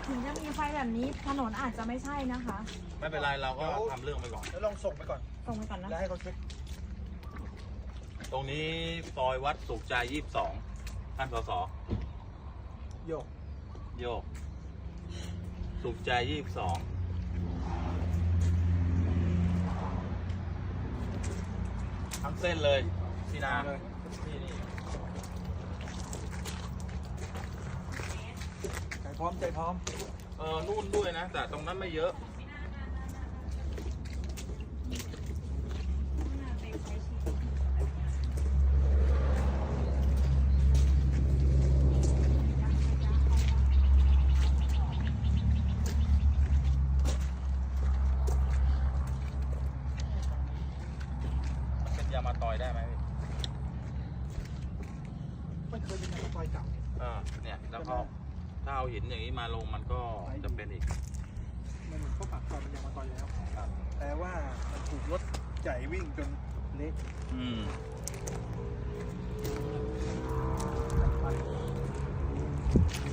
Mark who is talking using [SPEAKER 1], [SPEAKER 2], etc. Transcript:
[SPEAKER 1] ถึงจะมีไฟแบบนี้ถนนอาจจะไม่ใช่นะคะ
[SPEAKER 2] ไม่เป็นไรเราก็ทำเรื่องไปก่อน
[SPEAKER 3] แล้วลองส่งไปก่อน
[SPEAKER 1] ส่งไปก่อนนะ
[SPEAKER 3] แล้วให้เขาเช็ค
[SPEAKER 2] ตรงนี้ซอยวัดสุขใจ22ท่านสส
[SPEAKER 3] โยก
[SPEAKER 2] โยก สุขใจ22ทั้งเส้นเลยพี่นา
[SPEAKER 3] เลย
[SPEAKER 2] นี่
[SPEAKER 3] ใจพร้อมใจพร้อม
[SPEAKER 2] นู่นด้วยนะ แต่ตรงนั้นไม่เยอะเป็นยามาตอยได้ไหมพี่
[SPEAKER 3] ไม่เคยเป็นการปล่อยเก่า
[SPEAKER 2] เนี่ยแล้วก็ถ้าเอาหินอย่างนี้มาลงมันก็จะเป็นอีก
[SPEAKER 3] มันก็ปากซอยมันยังมาต่อยแล้ว
[SPEAKER 2] ครับ
[SPEAKER 3] แต่ว่ามันถูกรถใหญ่วิ่งจนเละ
[SPEAKER 2] อืม
[SPEAKER 3] ไป